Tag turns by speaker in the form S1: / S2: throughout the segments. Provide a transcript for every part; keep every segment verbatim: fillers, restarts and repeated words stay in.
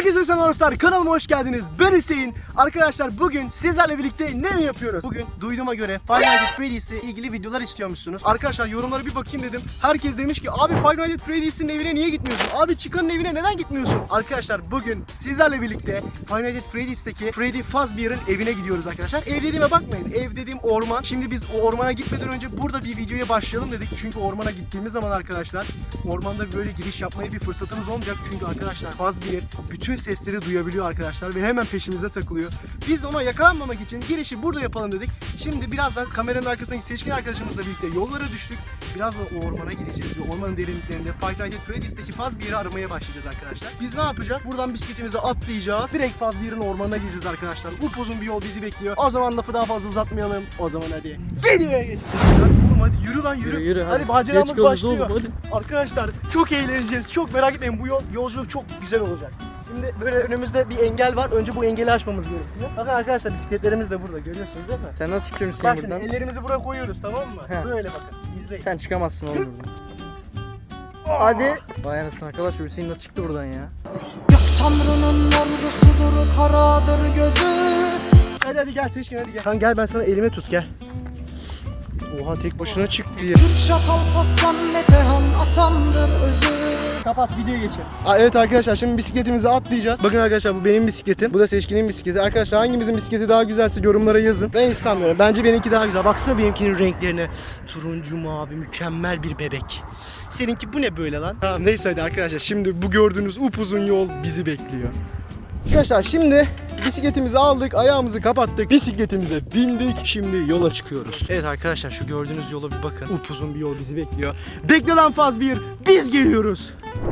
S1: Herkese selam dostlar, kanalıma hoş geldiniz. Ben Hüseyin. Arkadaşlar bugün sizlerle birlikte ne mi yapıyoruz? Bugün duyduğuma göre Five Nights at Freddy's ile ilgili videolar istiyormuşsunuz. Arkadaşlar yorumlara bir bakayım dedim. Herkes demiş ki abi Five Nights at Freddy's'in evine niye gitmiyorsun? Abi Chican'ın evine neden gitmiyorsun? Arkadaşlar bugün sizlerle birlikte Five Nights at Freddy's'teki Freddy Fazbear'ın evine gidiyoruz arkadaşlar. Ev dediğime bakmayın. Ev dediğim orman. Şimdi biz o ormana gitmeden önce burada bir videoya başlayalım dedik. Çünkü ormana gittiğimiz zaman arkadaşlar ormanda böyle giriş yapmaya bir fırsatımız olmayacak. Çünkü arkadaşlar Fazbear bütün sesleri duyabiliyor arkadaşlar ve hemen peşimize takılıyor. Biz de ona yakalanmamak için girişi burada yapalım dedik. Şimdi birazdan kameranın arkasındaki seçkin arkadaşımızla birlikte yollara düştük. Birazdan o ormana gideceğiz ve ormanın derinliklerinde Five Nights at Freddy's'teki Fazbear'ı aramaya başlayacağız arkadaşlar. Biz ne yapacağız? Buradan bisikletimizi atlayacağız. Direkt Fazbear'ın ormanına gideceğiz arkadaşlar. Upuzun bir yol bizi bekliyor. O zaman lafı daha fazla uzatmayalım. O zaman hadi videoya geçelim. Hadi, hadi yürü lan yürü.
S2: Yürü, yürü,
S1: hadi,
S2: hadi.
S1: maceramız başlıyor.
S2: Oğlum,
S1: arkadaşlar çok eğleneceğiz. Çok merak etmeyin, bu yol, yolculuk çok güzel olacak. Şimdi böyle önümüzde bir engel var. Önce bu engeli aşmamız gerekiyor. Bakın arkadaşlar bisikletlerimiz de burada. Görüyorsunuz değil mi?
S2: Sen nasıl çıkıyorsun
S1: Bak
S2: buradan?
S1: şimdi ellerimizi buraya koyuyoruz, tamam mı?
S2: He.
S1: Böyle bakın. İzleyin.
S2: Sen çıkamazsın oğlum buradan. Hadi. Vay anasını arkadaş, Hüseyin nasıl çıktı buradan ya?
S3: Gök Tanrı'nın ordusudur, karadır gözü.
S1: Hadi hadi gel Seçkin, hadi gel. Kan gel, ben sana elime tut, gel. Oha, tek başına çıktı ya.
S3: Kürşat Alparslan Metehan atamdır özü.
S1: Kapat, videoya geçelim. Aa, evet arkadaşlar, şimdi bisikletimizi atlayacağız. Bakın arkadaşlar, bu benim bisikletim. Bu da Seçkin'in bisikleti. Arkadaşlar hangimizin bisikleti daha güzelse yorumlara yazın. Ben hiç sanmıyorum. Bence benimki daha güzel. Baksana benimkinin renklerine. Turuncu mavi, mükemmel bir bebek. Seninki bu ne böyle lan? Tamam neyse hadi arkadaşlar. Şimdi bu gördüğünüz upuzun yol bizi bekliyor. Arkadaşlar şimdi bisikletimizi aldık, ayağımızı kapattık, bisikletimize bindik, şimdi yola çıkıyoruz. Evet arkadaşlar, şu gördüğünüz yola bir bakın, upuzun bir yol bizi bekliyor. Bekle lan Fazbear, biz geliyoruz.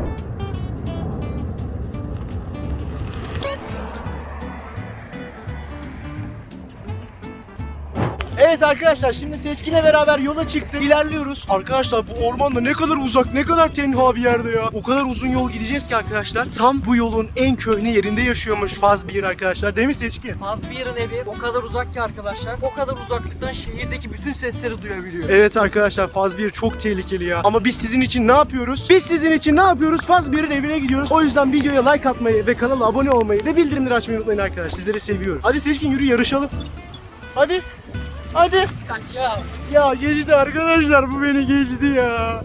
S1: Evet arkadaşlar, şimdi Seçkin'le beraber yola çıktık, ilerliyoruz. Arkadaşlar bu ormanda ne kadar uzak, ne kadar tenha bir yerde ya. O kadar uzun yol gideceğiz ki arkadaşlar. Tam bu yolun en köhne yerinde yaşıyormuş Fazbear arkadaşlar, değil mi Seçkin?
S2: Fazbear'ın evi o kadar uzak ki arkadaşlar. O kadar uzaklıktan şehirdeki bütün sesleri duyabiliyor.
S1: Evet arkadaşlar, Fazbear çok tehlikeli ya. Ama biz sizin için ne yapıyoruz? Biz sizin için ne yapıyoruz? Fazbear'ın evine gidiyoruz. O yüzden videoya like atmayı ve kanala abone olmayı ve bildirimleri açmayı unutmayın arkadaşlar. Sizleri seviyoruz. Hadi Seçkin yürü, yarışalım. Hadi. Hadi.
S2: Kaç ya.
S1: Ya geçti arkadaşlar, bu beni geçti ya.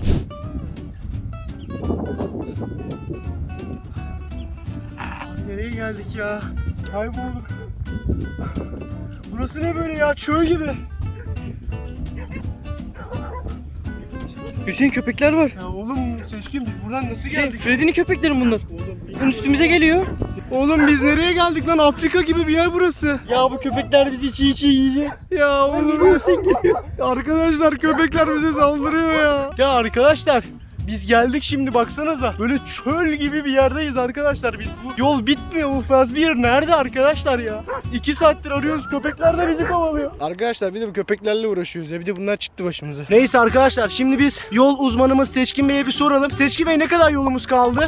S1: Nereye geldik ya? Kaybolduk. Burası ne böyle ya? Çöl gibi.
S2: Hüseyin, köpekler var.
S1: Ya oğlum Seçkin, biz buradan nasıl
S2: Şey,
S1: geldik?
S2: Freddy'nin köpekleri bunlar.
S1: Oğlum,
S2: Bunun üstümüze geliyor.
S1: oğlum biz nereye geldik lan? Afrika gibi bir yer burası.
S2: Ya bu köpekler bizi çiğ çiğ yiyecek.
S1: Ya oğlum arkadaşlar, köpekler bize saldırıyor ya. Ya arkadaşlar, biz geldik şimdi, baksanıza. Böyle çöl gibi bir yerdeyiz arkadaşlar. Biz bu yol bitmiyor. Bu Fazbear nerede arkadaşlar ya? İki saattir arıyoruz. Köpekler de bizi kovalıyor. Arkadaşlar bir de bu köpeklerle uğraşıyoruz ya. Bir de bunlar çıktı başımıza. Neyse arkadaşlar, şimdi biz yol uzmanımız Seçkin Bey'e bir soralım. Seçkin Bey, ne kadar yolumuz kaldı?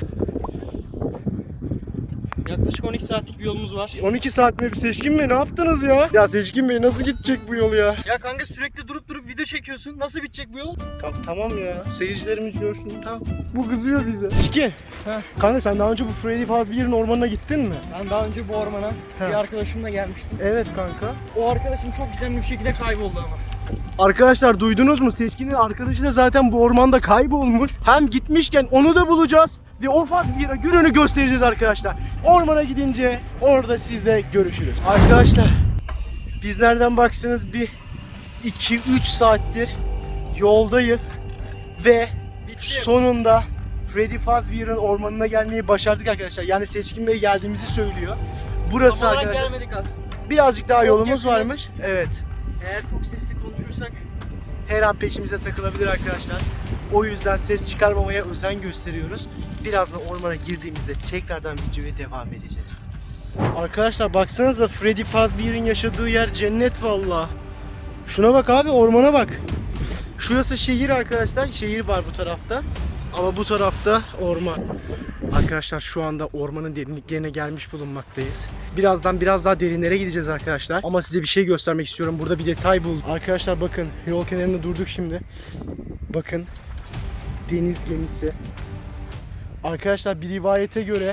S2: Yaklaşık on iki saatlik bir yolumuz var.
S1: on iki saat mi? Seçkin Bey ne yaptınız ya? Ya Seçkin Bey, nasıl gidecek bu yol ya?
S2: Ya kanka, sürekli durup durup video çekiyorsun. Nasıl bitecek bu yol?
S1: Tamam, tamam ya. Seyircilerimiz görsün. Tamam. Bu kızıyor bize. Seçkin.
S2: Heh.
S1: Kanka sen daha önce bu Freddy Fazbear'ın ormanına gittin mi?
S2: Ben daha önce bu ormana
S1: He.
S2: bir arkadaşımla gelmiştim.
S1: Evet kanka.
S2: O arkadaşım çok gizemli bir şekilde kayboldu ama.
S1: Arkadaşlar duydunuz mu? Seçkin'in arkadaşı da zaten bu ormanda kaybolmuş. Hem gitmişken onu da bulacağız ve o Fazbear'a gününü göstereceğiz arkadaşlar. Ormana gidince orada sizle görüşürüz. Arkadaşlar biz nereden baksanız bir iki üç saattir yoldayız ve sonunda Freddy Fazbear'ın ormanına gelmeyi başardık arkadaşlar. Yani Seçkin Bey geldiğimizi söylüyor. Burası
S2: Tam olarak
S1: arkadaşlar.
S2: gelmedik aslında.
S1: Birazcık daha
S2: Çok
S1: yolumuz
S2: yakınız.
S1: varmış. Evet.
S2: Eğer çok sesli konuşursak
S1: Her an peşimize takılabilir arkadaşlar. O yüzden ses çıkarmamaya özen gösteriyoruz. Birazdan ormana girdiğimizde tekrardan videoya devam edeceğiz. Arkadaşlar baksanıza, Freddy Fazbear'ın yaşadığı yer cennet valla. Şuna bak abi, ormana bak. Şurası şehir arkadaşlar. Şehir var bu tarafta. Ama bu tarafta orman. Arkadaşlar şu anda ormanın derinliklerine gelmiş bulunmaktayız. Birazdan biraz daha derinlere gideceğiz arkadaşlar. Ama size bir şey göstermek istiyorum. Burada bir detay buldum. Arkadaşlar bakın, yol kenarında durduk şimdi. Bakın, deniz gemisi. Arkadaşlar bir rivayete göre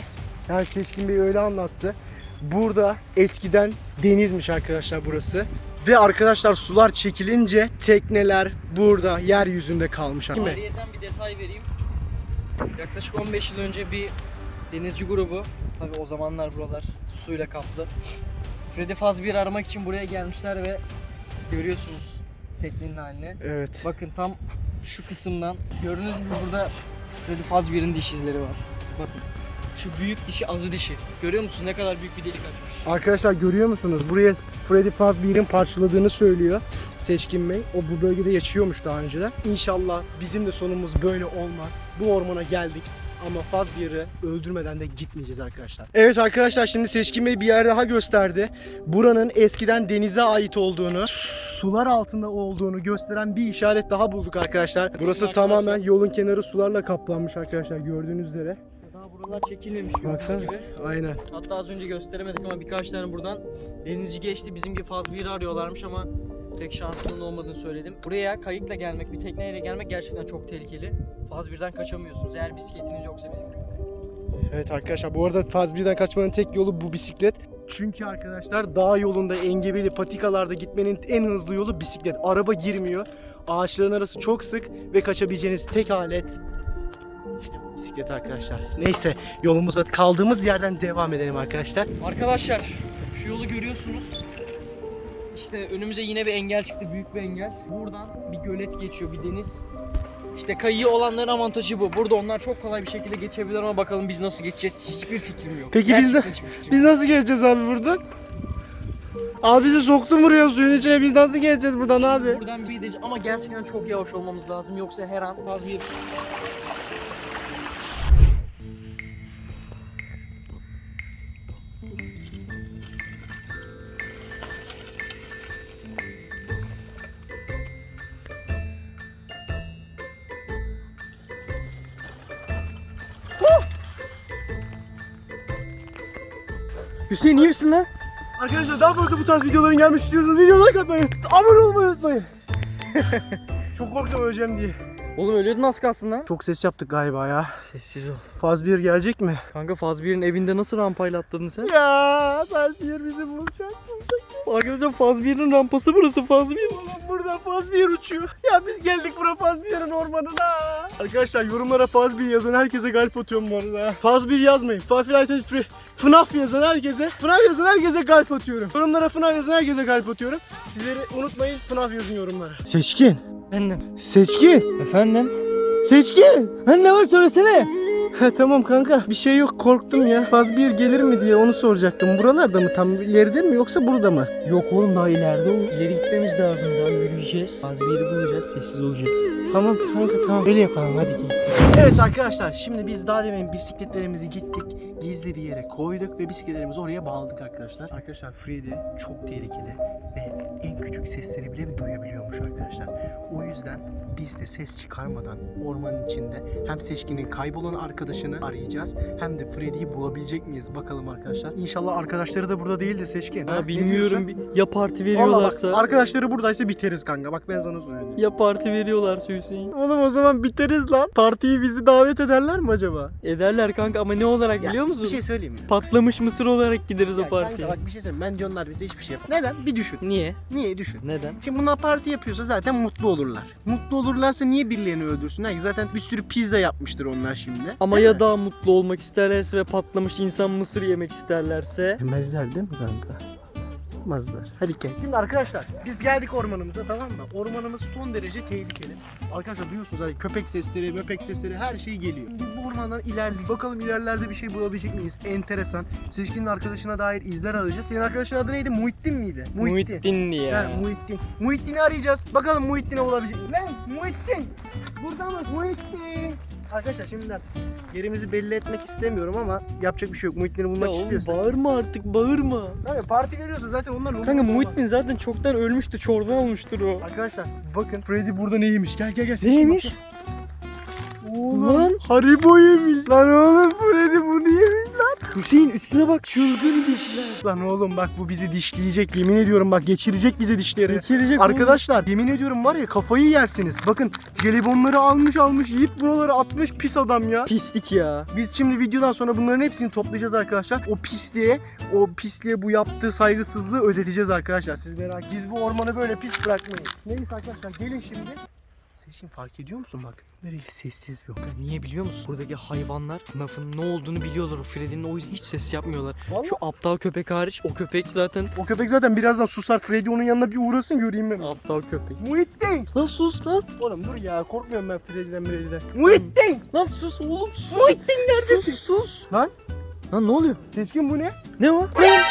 S1: Yani Seçkin Bey öyle anlattı. Burada eskiden denizmiş arkadaşlar burası. Ve arkadaşlar sular çekilince tekneler burada yeryüzünde kalmış. Değil mi?
S2: Ayrıyeten bir detay vereyim. Yaklaşık on beş yıl önce bir denizci grubu, tabi o zamanlar buralar suyla kaplı. Freddy Fazbear'ı aramak için buraya gelmişler ve görüyorsunuz teknenin halini.
S1: Evet.
S2: Bakın tam şu kısımdan gördüğünüz gibi burada Freddy Fazbear'ın diş izleri var. Bakın şu büyük dişi, azı dişi. Görüyor musunuz ne kadar büyük bir delik açmış?
S1: Arkadaşlar görüyor musunuz? Buraya Freddy Fazbear'ın parçaladığını söylüyor Seçkin Bey. O bu bölgede yaşıyormuş daha önceden. İnşallah bizim de sonumuz böyle olmaz. Bu ormana geldik ama Fazbear'ı öldürmeden de gitmeyeceğiz arkadaşlar. Evet arkadaşlar, şimdi Seçkin Bey bir yer daha gösterdi. Buranın eskiden denize ait olduğunu, sular altında olduğunu gösteren bir işaret daha bulduk arkadaşlar. Burası
S2: Arkadaşlar,
S1: tamamen yolun kenarı sularla kaplanmış arkadaşlar, gördüğünüz üzere.
S2: Daha buralar çekilmemiş gördüğünüz
S1: Baksana.
S2: gibi.
S1: Aynen.
S2: Hatta az önce gösteremedik ama birkaç tane buradan denizci geçti. Bizim gibi Fazbear'ı arıyorlarmış ama pek şansının olmadığını söyledim. Buraya kayıkla gelmek, bir tekneyle gelmek gerçekten çok tehlikeli. Fazbear'dan kaçamıyorsunuz eğer bisikletiniz yoksa bizim gibi.
S1: Evet arkadaşlar, bu arada Fazbear'dan kaçmanın tek yolu bu bisiklet. Çünkü arkadaşlar dağ yolunda, engebeli patikalarda gitmenin en hızlı yolu bisiklet. Araba girmiyor. Ağaçların arası çok sık ve kaçabileceğiniz tek alet bisiklet arkadaşlar. Neyse, yolumuza kaldığımız yerden devam edelim arkadaşlar.
S2: Arkadaşlar şu yolu görüyorsunuz. İşte önümüze yine bir engel çıktı, büyük bir engel. Buradan bir gölet geçiyor, bir deniz. İşte kayığı olanların avantajı bu. Burada onlar çok kolay bir şekilde geçebilir ama bakalım biz nasıl geçeceğiz? Hiçbir fikrim yok.
S1: Peki biz de-
S2: Gerçekten hiçbir fikrim yok.
S1: Biz nasıl geleceğiz abi buradan? Abi bizi soktun buraya suyun içine, biz nasıl geleceğiz buradan abi?
S2: Buradan bir de ama gerçekten çok yavaş olmamız lazım yoksa her an Fazbear
S1: Hüseyin, iyi misin lan? Arkadaşlar daha fazla bu tarz videoların gelmesi istiyorsanız videoya like atmayı, abone olmayı unutmayın. Çok korktum öleceğim diye.
S2: Oğlum ölüyordun az kalsın lan.
S1: Çok ses yaptık galiba ya.
S2: Sessiz ol.
S1: Fazbear gelecek mi?
S2: Kanka Fazbear'ın evinde nasıl rampayla atladın sen?
S1: Ya Fazbear bizi bulacak. Arkadaşlar Fazbear'ın rampası burası, Fazbear. Oğlum burada Fazbear uçuyor. Ya biz geldik buraya Fazbear'ın ormanına. Arkadaşlar yorumlara Fazbear yazan herkese kalp atıyorum bu arada. Fazbear yazmayın. Fazbear Free. F NAF yazan herkese, F NAF yazan herkese kalp atıyorum. Yorumlara F NAF yazan herkese kalp atıyorum. Sizleri unutmayın, F NAF yazın yorumlara. Seçkin.
S2: Efendim.
S1: Seçkin.
S2: Efendim?
S1: Seçkin. Hani ne var söylesene. Ha tamam kanka, bir şey yok, korktum ya. Fazbear gelir mi diye onu soracaktım. Buralarda mı, tam ileride mi yoksa burada mı?
S2: Yok oğlum daha ileride o. İleri gitmemiz lazım, daha yürüyeceğiz. Fazbear'ı bulacağız, sessiz olacağız.
S1: Tamam kanka, tamam. Öyle yapalım, hadi gel. Evet arkadaşlar, şimdi biz daha demin bisikletlerimizi gittik, gizli bir yere koyduk ve bisikletlerimizi oraya bağladık arkadaşlar. Arkadaşlar Freddy çok tehlikeli ve en küçük sesleri bile duyabiliyormuş arkadaşlar. O yüzden biz de ses çıkarmadan ormanın içinde hem Seçkin'in kaybolan arkadaşını arayacağız hem de Freddy'yi bulabilecek miyiz bakalım arkadaşlar. İnşallah arkadaşları da burada değil de Seçkin.
S2: Ha,
S1: Ha, ne
S2: bilmiyorum.
S1: diyorsun?
S2: Ya parti
S1: Vallahi
S2: veriyorlarsa.
S1: bak, arkadaşları buradaysa biteriz kanka. Bak ben sana söyleyeyim.
S2: Ya parti veriyorlarsa Hüseyin.
S1: Oğlum o zaman biteriz lan. Partiyi bizi davet ederler mi acaba?
S2: Ederler kanka ama ne olarak
S1: Ya,
S2: biliyor musun?
S1: Bir şey söyleyeyim mi?
S2: Patlamış mısır olarak gideriz
S1: Ya
S2: o partiye.
S1: kanka bak bir şey söyleyeyim. Bence onlar bize hiçbir şey yapar. Neden? Bir düşün.
S2: Niye?
S1: Niye düşün?
S2: Neden?
S1: Şimdi bunlar parti yapıyorsa zaten mutlu olurlar. Mutlu olurlarsa niye birilerini öldürsünler ki? Zaten bir sürü pizza yapmıştır onlar şimdi.
S2: Ama
S1: Değil
S2: ya
S1: mi?
S2: daha mutlu olmak isterlerse ve patlamış insan mısır yemek isterlerse?
S1: Yemezler değil mi kanka? Yapmazlar. Hadi gel. Şimdi arkadaşlar biz geldik ormanımıza, tamam mı? Ormanımız son derece tehlikeli. Arkadaşlar duyuyorsunuz hani köpek sesleri, möpek sesleri, her şey geliyor. Biz bu ormandan ilerleyelim. Bakalım ilerlerde bir şey bulabilecek miyiz? Enteresan. Seçkin'in arkadaşına dair izler arayacağız. Senin arkadaşın adı neydi? Muhittin miydi?
S2: Muhittin ya.
S1: Ha, Muhittin. Muhittin'i arayacağız. Bakalım Muhittin'i bulabilecek miyiz? Lan Muhittin! Burada mı? Muhittin! Arkadaşlar şimdiden yerimizi belli etmek istemiyorum ama yapacak bir şey yok. Muhittin'i bulmak
S2: Ya oğlum
S1: istiyorsan.
S2: bağırma artık, bağırma.
S1: Kanka parti veriyorsa zaten onlar
S2: Kanka
S1: umurunda olmaz.
S2: Muhittin zaten çoktan ölmüştü, çorba olmuştur o.
S1: Arkadaşlar bakın Freddy burada neymiş? Gel gel gel. Seçkin
S2: Neymiş?
S1: bakın. Oğlum
S2: Lan.
S1: Haribo yemiş. Lan oğlum Freddy bunu yemiş lan.
S2: Hüseyin üstüne bak, çılgın dişler.
S1: Lan oğlum bak bu bizi dişleyecek, yemin ediyorum bak geçirecek bize dişleri.
S2: Geçirecek
S1: Arkadaşlar yemin ediyorum var ya kafayı yersiniz. Bakın jelibonları almış almış yiyip buraları atmış pis adam ya.
S2: Pislik ya.
S1: Biz şimdi videodan sonra bunların hepsini toplayacağız arkadaşlar. O pisliğe, o pisliğe bu yaptığı saygısızlığı ödeteceğiz arkadaşlar. Siz merak etmeyin. Biz bu ormanı böyle pis bırakmayız. Neyse arkadaşlar gelin şimdi. Seçin fark ediyor musun bak? Nereye sessiz bir.
S2: Ya niye biliyor musun? Buradaki hayvanlar F NAF'ın ne olduğunu biliyorlar. O Freddy'nin o yüzden hiç ses yapmıyorlar.
S1: Vallahi.
S2: Şu aptal köpek hariç, o köpek zaten
S1: O köpek zaten birazdan susar. Freddy onun yanına bir uğrasın göreyim ben.
S2: aptal köpek.
S1: Muhittin.
S2: Lan sus lan.
S1: Oğlum dur ya korkmuyorum ben Freddy'den Freddy'den. Muhittin.
S2: Lan sus oğlum sus.
S1: Muhittin neredesin?
S2: Sus sus.
S1: Lan
S2: Lan ne oluyor?
S1: Seçkin bu ne?
S2: Ne o? Lan,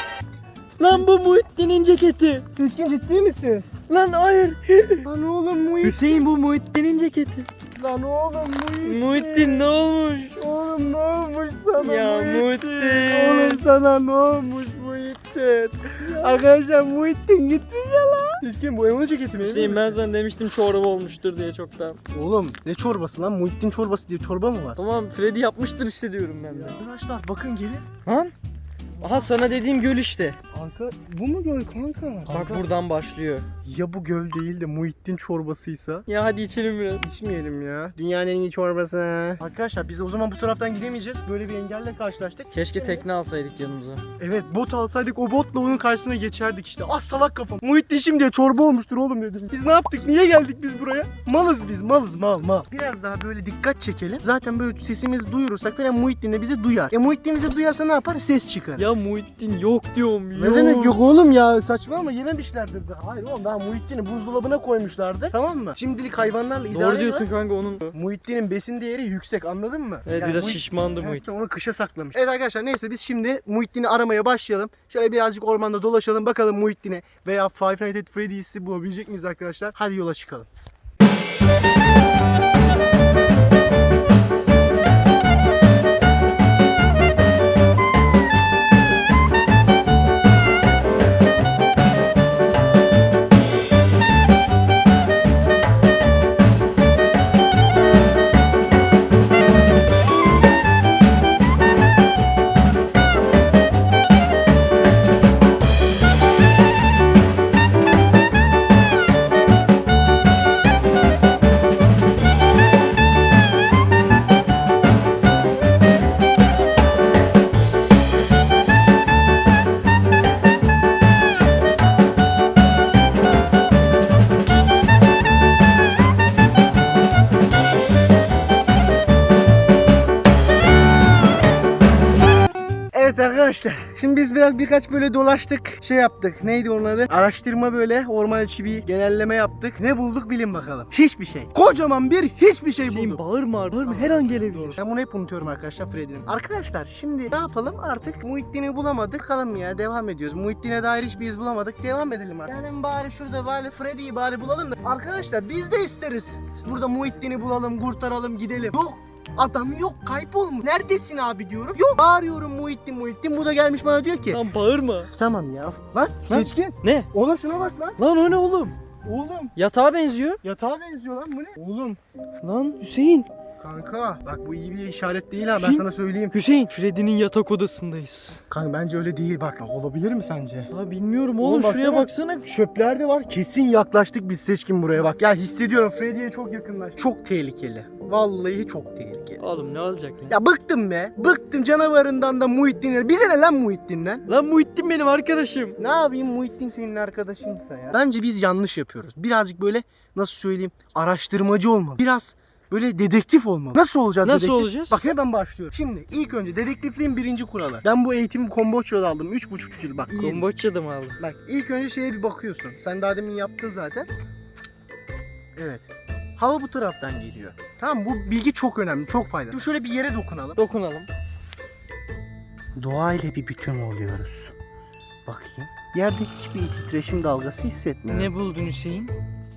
S2: lan bu Muhittin'in ceketi.
S1: Seçkin ciddi misin?
S2: Lan hayır.
S1: Lan oğlum Muhittin.
S2: Hüseyin bu Muhittin'in ceketi.
S1: Lan oğlum Muhittin.
S2: Muhittin ne olmuş?
S1: Oğlum ne olmuş sana
S2: Ya Muhittin.
S1: Oğlum sana ne olmuş Muhittin? Arkadaşlar Muhittin gitmiş ya lan. Seçkin bu Emo'nun ceketi mi?
S2: Hüseyin ben sana demiştim çorba olmuştur diye çoktan.
S1: Oğlum ne çorbası lan? Muhittin çorbası diye çorba mı var?
S2: Tamam Freddy yapmıştır işte diyorum ben de.
S1: Arkadaşlar bakın gelin.
S2: Lan. Aha sana dediğim göl işte.
S1: Arka bu mu göl kanka?
S2: Bak buradan başlıyor.
S1: Ya bu göl değil de Muhittin çorbasıysa?
S2: Ya hadi içelim biraz.
S1: İçmeyelim ya. Dünyanın en iyi çorbası. Arkadaşlar biz o zaman bu taraftan gidemeyeceğiz. Böyle bir engelle karşılaştık.
S2: Keşke tekne alsaydık yanımıza.
S1: Evet bot alsaydık o botla onun karşısına geçerdik işte. Az salak kafam. Muhittin şimdi çorba olmuştur oğlum dedim. Biz ne yaptık? Niye geldik biz buraya? Malız biz malız mal mal. Biraz daha böyle dikkat çekelim. Zaten böyle sesimizi duyurursak falan Muhittin de bizi duyar. E Muhittin bizi duyarsa ne yapar? Ses çıkar.
S2: Ya Muhittin yok diyorum yok.
S1: Ne demek yok oğlum ya saçmalama yememişlerdir de. Hayır oğlum daha Muhittin'i buzdolabına koymuşlardı tamam mı? Şimdilik hayvanlarla idare
S2: Doğru diyorsun
S1: ediyorlar.
S2: kanka onun.
S1: Muhittin'in besin değeri yüksek anladın mı?
S2: Evet
S1: Yani
S2: biraz
S1: Muhit-
S2: şişmandı
S1: Evet,
S2: Muhittin.
S1: onu kışa saklamış. Evet arkadaşlar neyse biz şimdi Muhittin'i aramaya başlayalım. Şöyle birazcık ormanda dolaşalım bakalım Muhittin'i veya Five Nights at Freddy's'i bulabilecek miyiz arkadaşlar? Hadi yola çıkalım. Evet arkadaşlar şimdi biz biraz birkaç böyle dolaştık şey yaptık neydi onun adı araştırma böyle orman içi bir genelleme yaptık ne bulduk bilin bakalım hiçbir şey kocaman bir hiçbir şey
S2: Hüseyin
S1: bulduk.
S2: bağırma bağırma her an gelebilir.
S1: Ben bunu hep unutuyorum arkadaşlar Freddy'nin. Arkadaşlar şimdi ne yapalım artık Muhittin'i bulamadık kalın ya devam ediyoruz. Muhittin'e dair hiçbir iz bulamadık devam edelim artık. Yani bari şurada bari Freddy'yi bari bulalım da. Arkadaşlar biz de isteriz. Burada Muhittin'i bulalım kurtaralım gidelim. Yok. Adam yok kaybolmuş. Neredesin abi diyorum. Yok. Bağırıyorum Muhittin Muhittin. Bu da gelmiş bana diyor ki.
S2: Lan bağırma.
S1: Tamam ya. Lan
S2: Lan.
S1: Seçkin.
S2: Ne?
S1: Ona şuna bak lan.
S2: Lan o ne oğlum?
S1: Oğlum.
S2: Yatağa benziyor.
S1: Yatağa benziyor lan bu ne? Oğlum.
S2: Lan Hüseyin.
S1: Kanka bak bu iyi bir işaret değil ha ben
S2: Hüseyin.
S1: sana söyleyeyim.
S2: Hüseyin Freddy'nin yatak odasındayız.
S1: Kanka bence öyle değil bak. Olabilir mi sence?
S2: Ya bilmiyorum oğlum,
S1: Oğlum
S2: şuraya
S1: baksana.
S2: baksana.
S1: Çöpler de var. Kesin yaklaştık biz Seçkin buraya bak. Ya hissediyorum Freddy'ye çok yakınlaş. Çok tehlikeli. Vallahi çok tehlikeli.
S2: Oğlum ne olacak lan?
S1: Ya bıktım be. Bıktım canavarından da Muhittin'e. Bize ne lan Muhittin'den?
S2: Lan Muhittin benim arkadaşım.
S1: Ne yapayım Muhittin senin arkadaşınsa ya. Bence biz yanlış yapıyoruz. Birazcık böyle nasıl söyleyeyim araştırmacı olmalı. Biraz böyle dedektif olmalı. Nasıl olacağız
S2: Nasıl
S1: dedektif?
S2: olacağız?
S1: Bak hemen başlıyorum. Şimdi ilk önce dedektifliğin birinci kuralı. Ben bu eğitimi Komboçya'da aldım. üç buçuk yıl bak. iyi.
S2: Komboçya'da mı aldın?
S1: Bak ilk önce şeye bir bakıyorsun. Sen daha demin yaptın zaten. Evet. Hava bu taraftan geliyor. Tamam bu bilgi çok önemli, çok faydalı. Şimdi şöyle bir yere dokunalım.
S2: Dokunalım.
S1: Doğayla bir bütün oluyoruz. Bakayım. Yerde hiçbir titreşim dalgası hissetmiyorum.
S2: Ne buldun Hüseyin?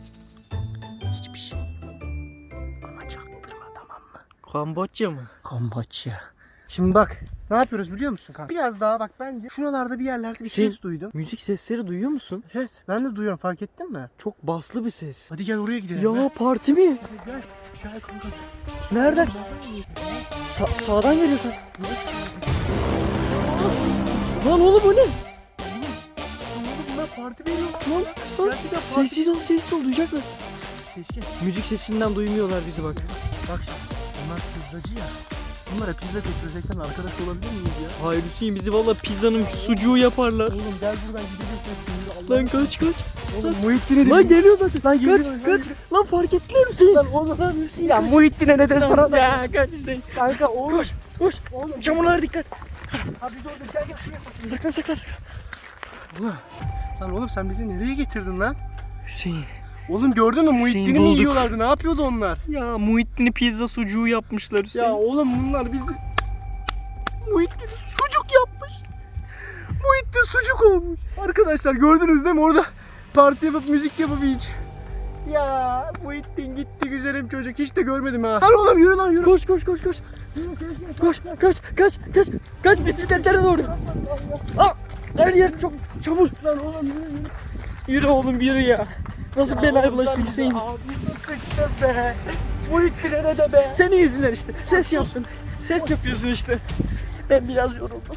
S1: Hiçbir şey. Ama çaktırma tamam mı?
S2: Kamboçya mı?
S1: Komboçya. Şimdi bak ne yapıyoruz biliyor musun kanka? Biraz daha bak bence şuralarda bir yerlerde bir
S2: Şey-
S1: ses duydum.
S2: Müzik sesleri duyuyor musun?
S1: Evet ben de duyuyorum fark ettin mi?
S2: Çok baslı bir ses.
S1: Hadi gel oraya gidelim.
S2: Ya parti mi?
S1: Gel gel, gel kanka.
S2: Nereden? Sa- sağdan geliyor sen. Lan oğlum o ne?
S1: Bunlar parti veriyor.
S2: Lan, lan.
S1: Gerçekten parti.
S2: Sessiz ol sessiz ol duyacaklar.
S1: Seçkin.
S2: Müzik sesinden duymuyorlar bizi bak.
S1: Bak şimdi. Bunlar pizzacı ya. Bunlara pizza getirecekten arkadaş olabilir miyiz ya?
S2: Hayır Hüseyin bizi valla pizzanın sucuğu yaparlar.
S1: Oğlum gel buradan gidelim Seçkin.
S2: Lan kaç kaç.
S1: Oğlum Muhittin'e
S2: Lan geliyor zaten.
S1: Lan
S2: Kaç
S1: geliyor,
S2: kaç.
S1: lan
S2: Lan fark ettiler Hüseyin.
S1: Lan oğlum.
S2: Lan Hüseyin.
S1: Ya Muhittin'e neden sana da?
S2: Ya kaç Hüseyin.
S1: Kanka oğlum.
S2: Koş koş.
S1: Oğlum
S2: Çamurlara dikkat.
S1: hadi dur dur gel gel şuraya saklan.
S2: Saklan saklan.
S1: Ulan. Lan oğlum sen bizi nereye getirdin lan?
S2: Hüseyin.
S1: Oğlum gördün mü Muhittin'i mi
S2: bulduk.
S1: yiyorlardı? Ne yapıyordu onlar?
S2: Ya Muhittin'i pizza sucuğu yapmışlar Hüseyin.
S1: Ya oğlum bunlar bizi Muhittin sucuk yapmış. Muhittin sucuk olmuş. Arkadaşlar gördünüz değil mi orada parti yapıp müzik yapıp hiç. Ya Muhittin gitti güzelim çocuk. Hiç de görmedim ha. Lan oğlum yürü lan yürü.
S2: Koş koş koş koş. Koş kaç kaç kaç kaç bisikletlere doğru. Aa, her yer çok çamur.
S1: Lan oğlum yürü yürü.
S2: Yürü oğlum yürü ya. Nasıl belaya bulaştık Hüseyin?
S1: Sıçtın be. Muhittin'e ne de be.
S2: Senin yüzünden işte. Ses yaptın. Ses yapıyorsun işte. Ben biraz yoruldum.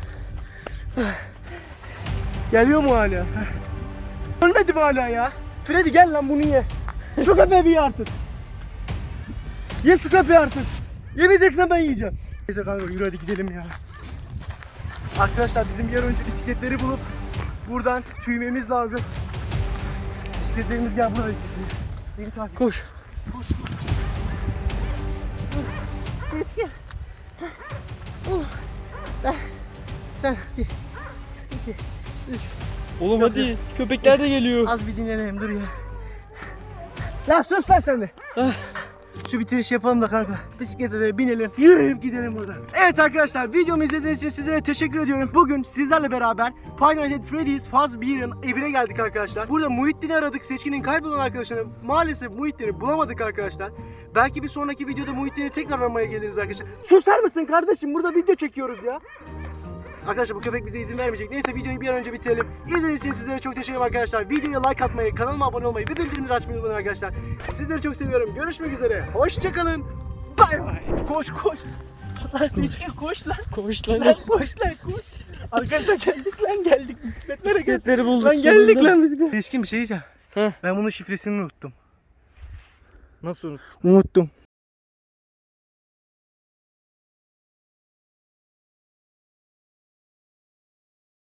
S1: Geliyor mu hala? Ölmedi mi hala ya? Freddy gel lan bunu ye. Şu köpeği bir ye artık. Ye şu köpeği artık. Yemeyeceksen ben yiyeceğim. Neyse kanka yürü hadi gidelim ya. Arkadaşlar bizim bir an önce bisikletleri bulup buradan tüymemiz lazım. Bisikletlerimiz gel buraya. Beni takip.
S2: Koş.
S1: Koş. Geç gel. Sen bir, iki, üç.
S2: Oğlum hadi. Köpekler de geliyor.
S1: Az bir dinlenelim dur ya. Lan sus lan sen de.
S2: Ah.
S1: Şu bitiriş yapalım da kanka. Bisiklete de binelim. Yürüyüp gidelim buradan. Evet arkadaşlar videomu izlediğiniz için sizlere teşekkür ediyorum. Bugün sizlerle beraber Five Nights at Freddy's Faz bir'in evine geldik arkadaşlar. Burada Muhittin'i aradık. Seçkinin kaybolan arkadaşlarına maalesef Muhittin'i bulamadık arkadaşlar. Belki bir sonraki videoda Muhittin'i tekrar aramaya geliriz arkadaşlar. Susar mısın kardeşim? Burada video çekiyoruz ya. Arkadaşlar bu köpek bize izin vermeyecek. Neyse videoyu bir an önce bitirelim. İzlediğiniz için sizlere çok teşekkür ederim arkadaşlar. Videoya like atmayı, kanalıma abone olmayı ve bildirimleri açmayı unutmayın arkadaşlar. Sizleri çok seviyorum. Görüşmek üzere. Hoşçakalın. Bay bay. Koş koş. Lan Seçkin koş lan.
S2: Koş lan.
S1: Lan koş lan koş. Arkadaşlar geldik lan geldik. Bisikletlere geldik.
S2: Bisikletleri bulduk.
S1: Lan geldik
S2: sonunda.
S1: lan bisiklet. Seçkin bir şey diyeceğim.
S2: Heh.
S1: Ben bunun şifresini unuttum.
S2: Nasıl unut?
S1: Unuttum.